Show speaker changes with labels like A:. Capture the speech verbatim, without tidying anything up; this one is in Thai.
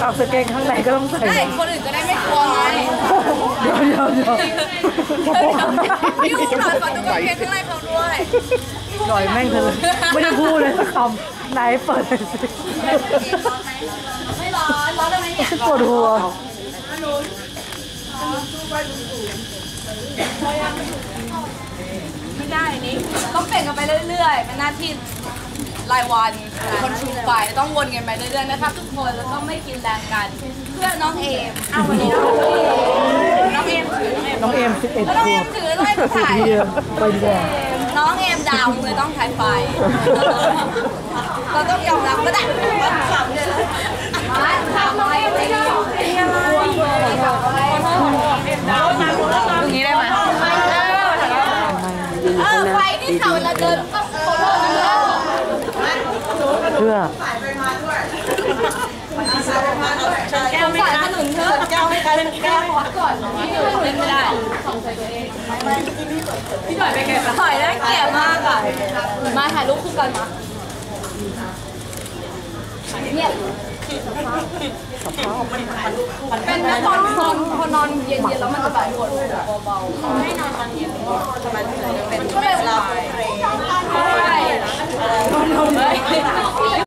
A: ากสเกงข้างในก็ต้องใส่ได้
B: คนอื่นจะได้ไม่กลัวไง
A: เดี๋ยวเดี๋ยวเดี๋ยว
B: พี่อู๋หน่อยขอดูกางเกงข้างในเขาด้วย
A: หน่อยแม่งเลยไม่ได้พูดเลยสักคำไหนเปิดเลยสิ
B: ไม่ร้อนร้อนทำไมเนี่ย
A: ปวดหัว
B: ไม่ได้นี้ต้องเปลี่ยนกันไปเรื่อยๆเป็นหน้าที่รายวันคนชูไปต้องวนกันไปเรื่อยๆนะครับทุกคนแล้วก็ไม่กินแรงกันเพื่อน้องเอมอ้าววันนี้น้องเอมถือ
A: น้องเอมสิบเอ็ด
B: น้องเอมถือต้องให้ถ่าย
A: ไปดีกว่า
B: น้องเอมดาวเลยต้องถ่ายไฟเราต้องยอมรับก็ได้ถามเลยถามน้องเอมไม่ได้ตรงนี้ได้ไหมเออไฟที่เขาจะเดินต้องโคโล่นะ
A: เพื่อ
B: แก้วไม่ได้ขนุนเธอแก้วไม่ได้แก้วพอดก่อนพี่หนุ่ยเล่นไม่ได้พี่หน่อยไปแก้วถอยได้เกลียดมากอ่ะมาถ่ายรูปคู่กันมาเนี่ยเป็นนักนอนนอนพอนอนเย็นๆแล้วมันจะแบบปวดหัวเบาๆให้นอนตอนเย็นมันเป็นเวลา